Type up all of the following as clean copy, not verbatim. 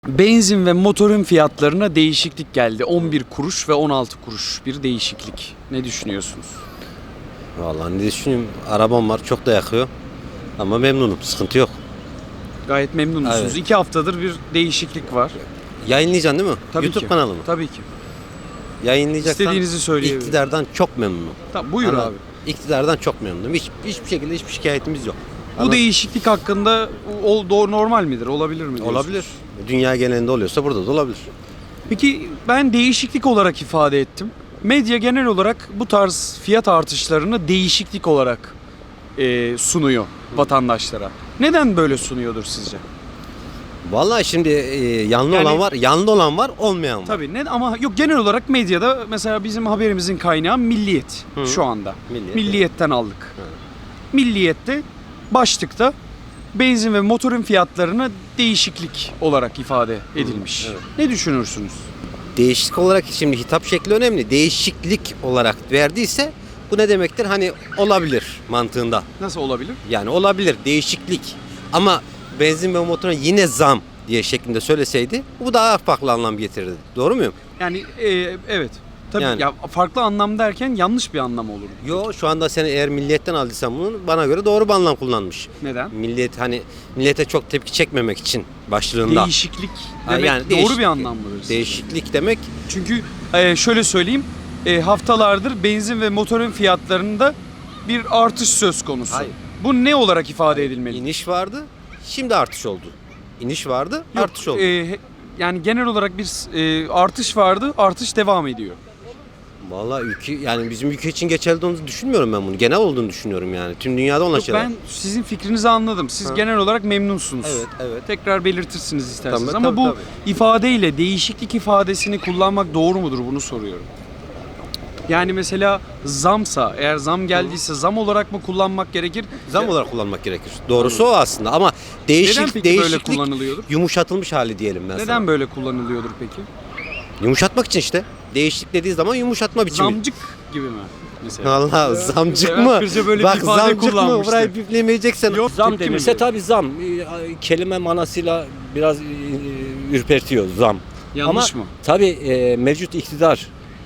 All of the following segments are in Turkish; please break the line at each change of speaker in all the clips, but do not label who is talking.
Benzin ve motorun fiyatlarına değişiklik geldi. 11 kuruş ve 16 kuruş bir değişiklik. Ne düşünüyorsunuz?
Vallahi ne düşüneyim? Arabam var, çok da yakıyor. Ama memnunum, sıkıntı yok.
Gayet memnun musunuz?
Evet.
2 haftadır bir değişiklik var.
Yayınlayacaksın değil mi?
Tabii
YouTube
ki.
kanalı mı?
Tabii ki.
Yayınlayacaksan
İstediğinizi söyleyebilirim.
iktidardan çok memnunum.
Tamam, buyur
Anladın
abi.
mı? İktidardan çok memnunum. Hiçbir şekilde hiçbir şikayetimiz yok.
Bu
Anladın?
değişiklik hakkında doğru normal midir? Olabilir mi diyorsunuz?
Olabilir. Dünya genelinde oluyorsa burada da olabilir.
Peki ben değişiklik olarak ifade ettim. Medya genel olarak bu tarz fiyat artışlarını değişiklik olarak sunuyor vatandaşlara. Neden böyle sunuyordur sizce?
Vallahi şimdi yanlı
Yani-
olan var, yanlı olan var, olmayan var.
Tabii ama yok, genel olarak medyada mesela bizim haberimizin kaynağı Milliyet
Hı.
şu anda.
Milliyet,
Milliyetten aldık.
Hı.
Milliyet'te başlıkta benzin ve motorun fiyatlarına değişiklik olarak ifade edilmiş.
evet.
Ne düşünürsünüz?
Değişiklik olarak şimdi hitap şekli önemli. Değişiklik olarak verdiyse bu ne demektir? Hani olabilir mantığında.
Nasıl olabilir?
Yani olabilir değişiklik. Ama benzin ve motoruna yine zam diye şeklinde söyleseydi bu daha farklı anlam getirirdi. Doğru muyum?
Yani evet. Tabii
Yani.
ya, farklı anlam derken yanlış bir anlam olur.
Yo, şu anda sen eğer milliyetten aldıysan bunu bana göre doğru bir anlam kullanmış.
Neden?
Milliyet hani millete çok tepki çekmemek için başlığında.
Değişiklik
Ha,
demek
yani
doğru
değişiklik.
bir anlam mıdır sizce?
Değişiklik demek
Çünkü şöyle söyleyeyim, haftalardır benzin ve motorun fiyatlarında bir artış söz konusu.
Hayır.
Bu ne olarak ifade edilmeli?
iniş vardı, şimdi artış oldu. İniş vardı,
Yok,
artış oldu.
Yani genel olarak bir artış vardı, artış devam ediyor.
Vallahi ülke yani bizim ülke için geçerli olduğunu düşünmüyorum ben bunu. Genel olduğunu düşünüyorum yani. Tüm dünyada olan
Yok,
şeyler.
ben sizin fikrinizi anladım. Siz
Ha.
genel olarak memnunsunuz.
Evet, evet.
Tekrar belirtirsiniz isterseniz.
Tabii,
Ama
tabii,
bu
tabii.
ifadeyle değişiklik ifadesini kullanmak doğru mudur, bunu soruyorum. Yani mesela zamsa, eğer zam geldiyse zam olarak mı kullanmak gerekir?
Zam olarak kullanmak gerekir. Doğrusu o aslında ama
Neden peki böyle
değişiklik
kullanılıyordur?
yumuşatılmış hali diyelim ben sana.
Neden böyle kullanılıyordur peki?
Yumuşatmak için işte. Değişiklik dediği zaman yumuşatma biçimi.
Zamcık gibi mi mesela?
Allah, zamcık
Levent
mı?
Kırca böyle bir
Bak
ifade
zamcık mı?
kullanmıştı.
Burayı biplemeyeceksen.
Yok,
Zam
tepki mi
denirse
veriyor?
tabii zam. Kelime manasıyla biraz ürpertiyor zam.
Yanlış
Ama
mı?
tabii mevcut iktidar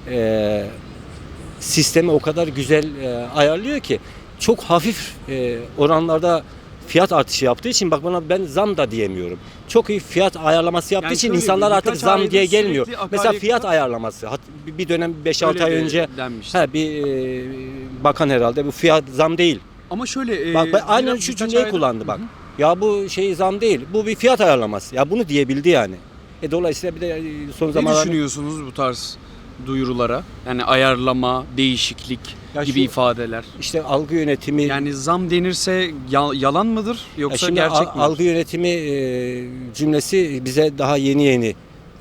sistemi o kadar güzel ayarlıyor ki çok hafif oranlarda fiyat artışı yaptığı için bak bana ben zam da diyemiyorum. Çok iyi fiyat ayarlaması yaptığı
Yani
için
şöyle,
insanlar artık
birkaç
zam
aydır
diye gelmiyor.
sürekli
Mesela
akaryakıta-
fiyat ayarlaması. Bir dönem 5-6 ay
Öyle
önce
denmişti.
bir bakan herhalde bu fiyat zam değil.
Ama şöyle...
Bak ben aynen
birkaç
şu cümleyi
aydır-
kullandı bak.
Hı hı.
Ya bu şey zam değil. Bu bir fiyat ayarlaması. Ya bunu diyebildi yani. Dolayısıyla bir de son
Ne
zamanlarda
düşünüyorsunuz bu tarz duyurulara? Yani ayarlama, değişiklik
Ya
gibi
şu-
ifadeler.
işte algı yönetimi
Yani zam denirse yalan mıdır
ya
yoksa
şimdi
gerçek mi?
algı yönetimi cümlesi bize daha yeni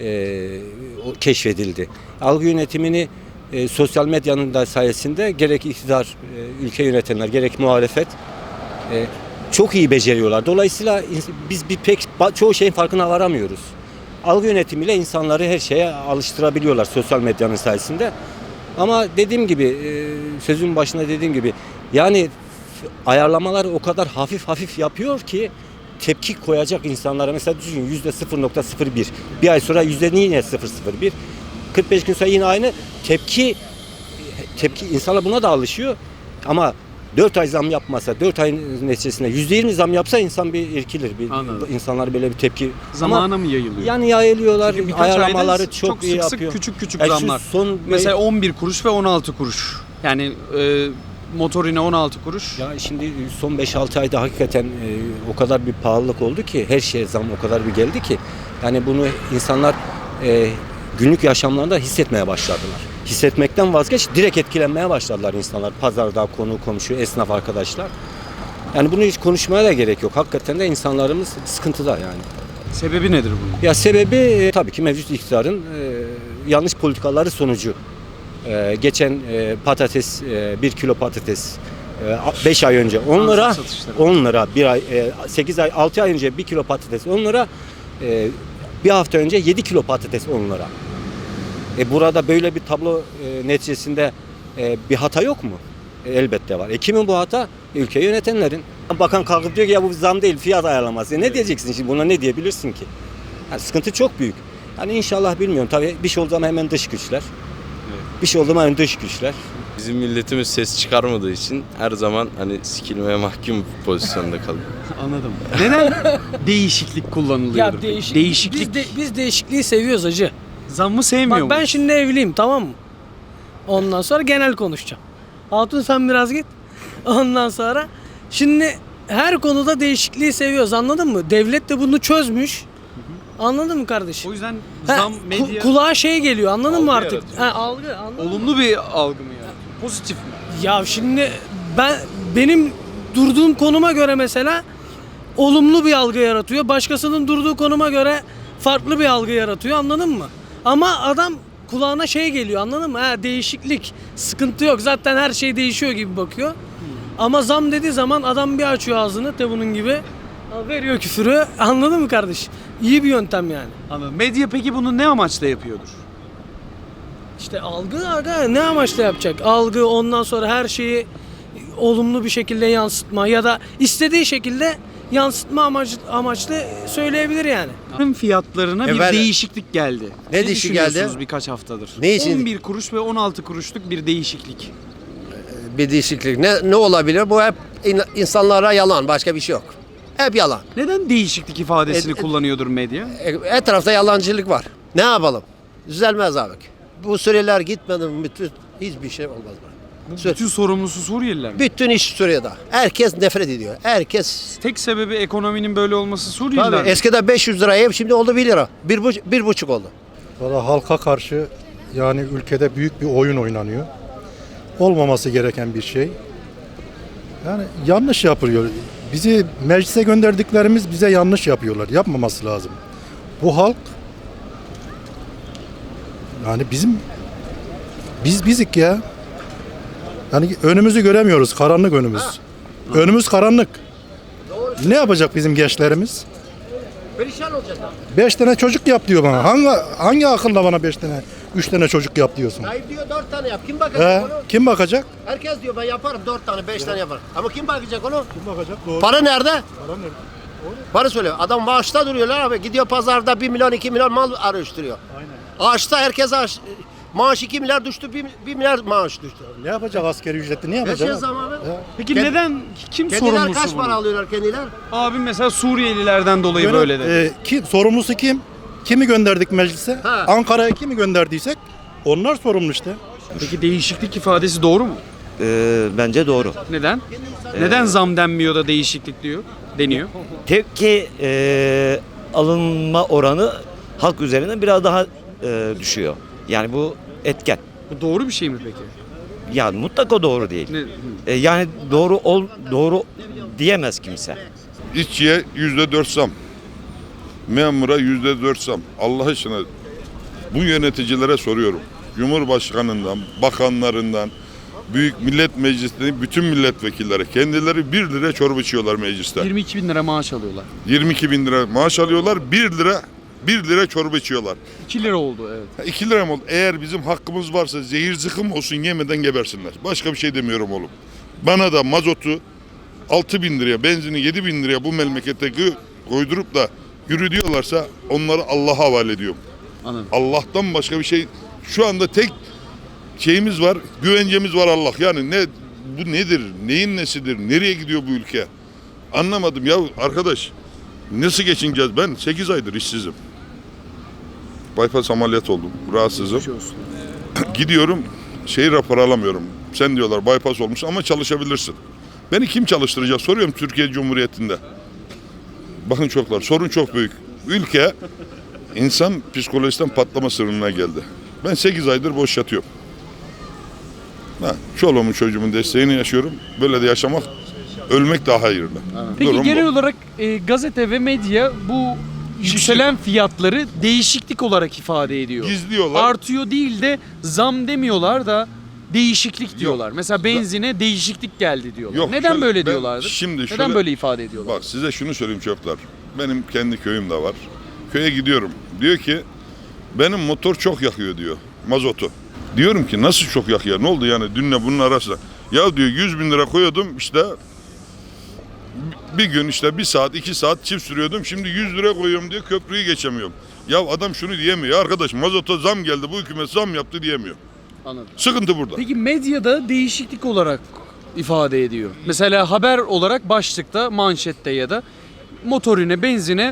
keşfedildi. Algı yönetimini sosyal medyanın da sayesinde gerek iktidar, ülke yönetenler, gerek muhalefet çok iyi beceriyorlar. Dolayısıyla biz çoğu şeyin farkına varamıyoruz. Algı yönetimiyle insanları her şeye alıştırabiliyorlar sosyal medyanın sayesinde. Ama dediğim gibi sözün başında dediğim gibi yani ayarlamalar o kadar hafif yapıyor ki tepki koyacak insanlara mesela düşün %0.01 bir ay sonra yine 0.01 45 gün sonra yine aynı tepki insanlar buna da alışıyor ama 4 ay zam yapmasa 4 ay neticesinde %20 zam yapsa insan bir irkilir.
Anladım.
İnsanlar böyle bir tepki
Zamana mı yayılıyor?
yani yayılıyorlar
Çünkü birkaç
ayarlamaları
ayda
çok iyi
sık sık
yapıyor.
küçük
Ya şu
zamlar.
son
Mesela 11 kuruş ve 16 kuruş. Yani motorine 16 kuruş.
ya şimdi son 5-6 ayda hakikaten o kadar bir pahalılık oldu ki her şeye zam o kadar bir geldi ki yani bunu insanlar günlük yaşamlarında hissetmeye başladılar. Hissetmekten vazgeç direkt etkilenmeye başladılar insanlar. Pazarda konu komşu esnaf arkadaşlar. Yani bunu hiç konuşmaya da gerek yok. Hakikaten de insanlarımız sıkıntıda yani.
Sebebi nedir bunun?
Ya sebebi tabii ki mevcut iktidarın yanlış politikaları sonucu. Geçen patates 1 kilo patates 5 ay önce 10 lira
Transit satışları.
10 lira bir ay 8 ay 6 ay önce 1 kilo patates 10 lira bir hafta önce 7 kilo patates 10 lira. Burada böyle bir tablo neticesinde bir hata yok mu? Elbette var. Kimin bu hata? Ülkeyi yönetenlerin. Bakan kalkıp diyor ki ya bu zam değil fiyat ayarlaması. Ne diyeceksin şimdi buna ne diyebilirsin ki? Yani sıkıntı çok büyük. Hani inşallah bilmiyorum. Tabii bir şey olduğu zaman hemen dış güçler. Bir şey olduğu zaman hemen dış güçler.
Bizim milletimiz ses çıkarmadığı için her zaman hani sikilmeye mahkum pozisyonda kalıyor.
Anladım. Neden değişiklik kullanılıyor?
Ya
Değişiklik.
Biz değişikliği seviyoruz hacı.
Zammı sevmiyor
Bak ben
musun?
şimdi evliyim, tamam mı? Ondan sonra genel konuşacağım. Hatun sen biraz git. Ondan sonra şimdi her konuda değişikliği seviyoruz, anladın mı? Devlet de bunu çözmüş. Anladın mı kardeşim?
O yüzden
Ha,
zam medya
kulağa şey geliyor, anladın mı
Algı
artık?
yaratıyor.
Ha, algı, anladın mı?
olumlu bir algı mı yani? Pozitif mi?
Ya şimdi benim durduğum konuma göre mesela olumlu bir algı yaratıyor. Başkasının durduğu konuma göre farklı bir algı yaratıyor, anladın mı? Ama adam kulağına şey geliyor, anladın mı? Ha, değişiklik, sıkıntı yok. Zaten her şey değişiyor gibi bakıyor. Ama zam dediği zaman adam bir açıyor ağzını bunun gibi. Veriyor küfürü. Anladın mı kardeş? İyi bir yöntem yani.
Anladım. Medya peki bunu ne amaçla yapıyordur?
İşte algı aga ne amaçla yapacak? Algı, ondan sonra her şeyi olumlu bir şekilde yansıtma ya da istediği şekilde yansıtma amaçlı söyleyebilir yani.
Ürün fiyatlarına bir
Efendim?
değişiklik geldi.
Ne değişiklik geldi?
düşünüyorsunuz birkaç haftadır?
Ne için?
11 kuruş ve 16 kuruşluk bir değişiklik.
Bir değişiklik. Ne olabilir? Bu hep insanlara yalan. Başka bir şey yok. Hep yalan.
Neden değişiklik ifadesini kullanıyordur medya?
Etrafta yalancılık var. Ne yapalım? Düzelmez abi. Bu süreler gitmedi mi bütün hiçbir şey olmaz.
Bütün sorumlusu Suriyeliler mi?
Bütün iş Suriye'de. Herkes nefret ediyor. Herkes.
Tek sebebi ekonominin böyle olması Suriyeliler
Tabii
mi?
eskiden 500 lira ev şimdi oldu 1 lira. 1,5 oldu.
Valla halka karşı yani ülkede büyük bir oyun oynanıyor. Olmaması gereken bir şey. Yani yanlış yapılıyor. Bizi meclise gönderdiklerimiz bize yanlış yapıyorlar. Yapmaması lazım. Bu halk yani biz bizik ya. Yani önümüzü göremiyoruz. Karanlık önümüz. Önümüz karanlık. Ne yapacak bizim gençlerimiz?
Perişan olacak.
5 tane çocuk yap diyor bana. Hangi akılla bana 5 tane, 3 tane çocuk yap diyorsun?
Tayyip diyor 4 tane yap. Kim
He,
bakacak onu?
kim bakacak?
Herkes diyor ben yaparım 4 tane 5 tane yaparım. Ama kim bakacak onu?
Kim bakacak? Doğru.
Para nerede?
Para nerede?
Para söylüyor. Adam maaşta duruyorlar abi. Gidiyor pazarda 1 milyon 2 milyon mal araştırıyor.
Aynen.
Ağaçta herkes maaş 2 milyar düştü 1 milyar maaş düştü.
Ne yapacak askeri ücretli? Ne
Ne
yapacak?
şey zaman abi?
Peki
Kend-
neden kim
Kendiler
sorumlusu
kaç
bunun?
para alıyorlar kendiler?
Abim mesela Suriyelilerden dolayı böyle dedi.
Sorumlusu kim? Kimi gönderdik meclise?
Ha.
Ankara'ya kimi gönderdiysek onlar sorumlu işte.
Peki değişiklik ifadesi doğru mu?
Bence doğru.
Neden? Neden zam denmiyor da değişiklik deniyor?
Tepki alınma oranı halk üzerine biraz daha düşüyor. Yani bu etken.
Bu doğru bir şey mi peki?
Yani mutlaka doğru değil.
Ne?
Yani doğru diyemez kimse.
İşçiye %4 zam. Memura %4 zam. Allah aşkına bu yöneticilere soruyorum. Cumhurbaşkanından, bakanlarından, Büyük Millet Meclisi'nin bütün milletvekilleri kendileri 1 lira çorba içiyorlar mecliste.
22 bin lira maaş alıyorlar.
22 bin lira maaş alıyorlar, 1 lira çorba içiyorlar.
2 lira oldu evet.
2 lira mı oldu? Eğer bizim hakkımız varsa zehir zıkkım olsun yemeden gebersinler. Başka bir şey demiyorum oğlum. Bana da mazotu 6 bin liraya, benzini 7 bin liraya bu memlekette koydurup da yürü diyorlarsa onları Allah'a havale ediyorum.
Anladım.
Allah'tan başka bir şey, şu anda tek şeyimiz var, güvencemiz var Allah. Yani bu nedir, neyin nesidir, nereye gidiyor bu ülke? Anlamadım ya arkadaş. Nasıl geçineceğiz? Ben 8 aydır işsizim. Bypass ameliyat oldum, rahatsızım.
Geçmiş olsun.
Gidiyorum, rapor alamıyorum. Sen diyorlar bypass olmuş ama çalışabilirsin. Beni kim çalıştıracak soruyorum Türkiye Cumhuriyeti'nde. Bakın çocuklar, sorun çok büyük. Ülke insan psikolojisinden patlama sınırına geldi. Ben 8 aydır boş yatıyorum. Çoluğumun çocuğumun desteğini yaşıyorum. Böyle de yaşamak, ölmek daha hayırlı.
Peki
Durum
genel
bu.
olarak gazete ve medya bu yükselen fiyatları değişiklik olarak ifade ediyor.
Gizliyorlar.
Artıyor değil de zam demiyorlar da değişiklik diyorlar. Mesela benzine değişiklik geldi diyorlar.
Yok,
Neden
şöyle-
böyle
ben
diyorlardır?
şimdi
Neden
şöyle-
böyle ifade ediyorlar?
Bak size şunu söyleyeyim çocuklar. Benim kendi köyüm de var. Köye gidiyorum. Diyor ki benim motor çok yakıyor diyor. Mazotu. Diyorum ki nasıl çok yakıyor? Ne oldu yani dünle bunun arasında? Ya diyor 100 bin lira koyuyordum işte Bir gün işte 1 saat 2 saat çift sürüyordum. Şimdi 100 lira koyuyorum diye köprüyü geçemiyorum. Ya adam şunu diyemiyor. Arkadaş mazota zam geldi, bu hükümet zam yaptı diyemiyor.
Anladım.
Sıkıntı burada.
Peki medyada değişiklik olarak ifade ediyor. Mesela haber olarak başlıkta, manşette ya da motorine, benzine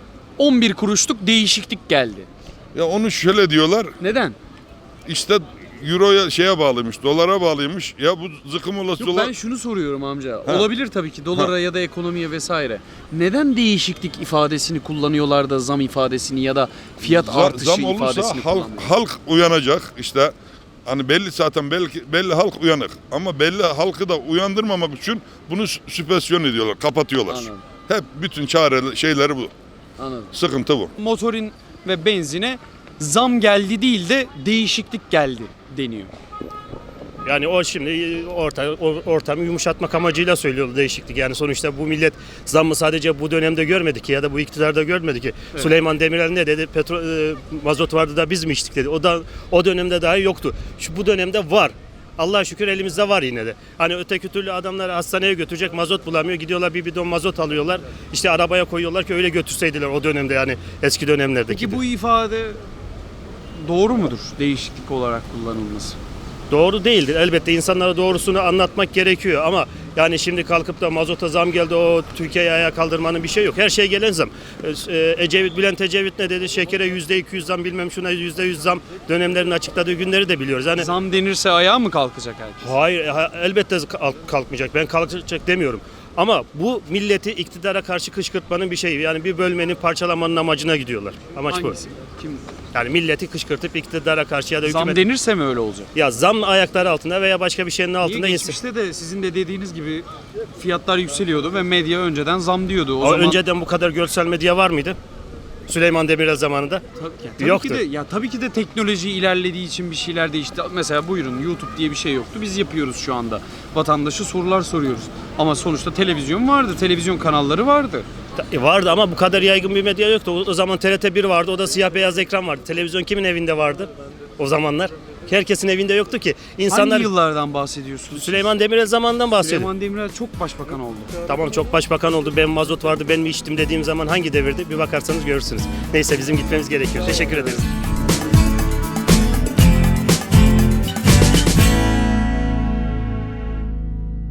11 kuruşluk değişiklik geldi.
Ya onu şöyle diyorlar.
Neden?
İşte euroya şeye bağlıymış, dolara bağlıymış. Ya bu zıkım olası
Yok,
dolar.
ben şunu soruyorum amca.
Ha.
Olabilir tabii ki dolara ya da ekonomiye vesaire. Neden değişiklik ifadesini kullanıyorlar da zam ifadesini ya da fiyat artışı
Zam olursa
ifadesini kullanmıyor?
halk uyanacak işte. Hani belli zaten belli halk uyanık. Ama belli halkı da uyandırmamak için bunu süpresyon ediyorlar, kapatıyorlar.
Anladım.
Hep bütün çare şeyleri bu.
Anladım.
Sıkıntı bu.
Motorin ve benzine zam geldi değil de değişiklik geldi deniyor.
Yani o şimdi ortamı yumuşatmak amacıyla söylüyor değişiklik. Yani sonuçta bu millet zammı sadece bu dönemde görmedi ki ya da bu iktidarda görmedi ki.
Evet.
Süleyman Demirel ne dedi? Mazot vardı da biz mi içtik dedi. O dönemde dahi yoktu. Bu dönemde var. Allah'a şükür elimizde var yine de. Hani öteki türlü adamlar hastaneye götürecek mazot bulamıyor. Gidiyorlar bir bidon mazot alıyorlar. İşte arabaya koyuyorlar ki öyle götürseydiler o dönemde yani eski dönemlerdeki.
Peki bu ifade doğru mudur değişiklik olarak kullanılması?
Doğru değildir. Elbette insanlara doğrusunu anlatmak gerekiyor ama yani şimdi kalkıp da mazota zam geldi o Türkiye'yi ayağa kaldırmanın bir şey yok. Her şeye gelen zam. Bülent Ecevit ne dedi? Şekere %200 zam bilmem şuna %100 zam dönemlerini açıkladığı günleri de biliyoruz. Hani
Zam denirse ayağa mı kalkacak herkes?
hayır elbette kalkmayacak. Ben kalkacak demiyorum. Ama bu milleti iktidara karşı kışkırtmanın bir şeyi. Yani bir bölmenin parçalamanın amacına gidiyorlar. Amaç
Hangisi?
bu.
Kim?
Yani milleti kışkırtıp iktidara karşı ya da
Zam
hükümet...
denirse mi öyle olacak?
Ya zam ayakları altında veya başka bir şeyin
Niye
altında insan...
geçmişte de sizin de dediğiniz gibi fiyatlar yükseliyordu ve medya önceden zam diyordu. O
O
zaman
önceden bu kadar görsel medya var mıydı? Süleyman Demirel zamanında.
tabii
Yoktu.
ki de tabii ki de teknoloji ilerlediği için bir şeyler değişti. Mesela buyurun YouTube diye bir şey yoktu. Biz yapıyoruz şu anda. Vatandaşı sorular soruyoruz. Ama sonuçta televizyon vardı. Televizyon kanalları vardı.
Vardı ama bu kadar yaygın bir medya yoktu. O zaman TRT1 vardı. O da siyah beyaz ekran vardı. Televizyon kimin evinde vardı o zamanlar? Herkesin evinde yoktu ki. İnsanlar
Hangi yıllardan bahsediyorsunuz?
Süleyman Demirel zamanından bahsediyor.
Süleyman Demirel çok başbakan oldu.
Tamam çok başbakan oldu. Ben mazot vardı. Ben mi içtim dediğim zaman hangi devirdi? Bir bakarsanız görürsünüz. Neyse bizim gitmemiz gerekiyor. Teşekkür ederiz.